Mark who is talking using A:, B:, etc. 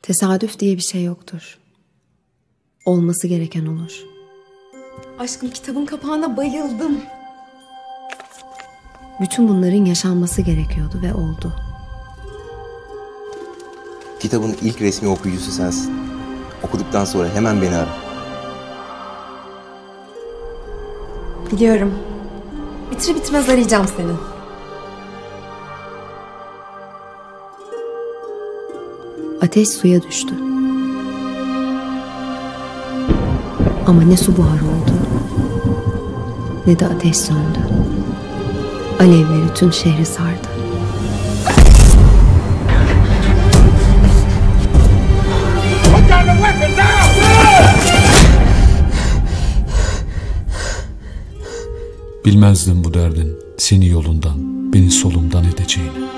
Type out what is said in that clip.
A: Tesadüf diye bir şey yoktur. Olması gereken olur.
B: Aşkım, kitabın kapağına bayıldım.
A: Bütün bunların yaşanması gerekiyordu ve oldu.
C: Kitabın ilk resmi okuyucusu sensin. Okuduktan sonra hemen beni ara.
B: Biliyorum. Bitir bitmez arayacağım seni.
A: Ateş suya düştü. Ama ne su buharı oldu, ne de ateş söndü. Alevleri tüm şehri sardı.
D: Bilmezdim bu derdin seni yolundan, beni solumdan edeceğini.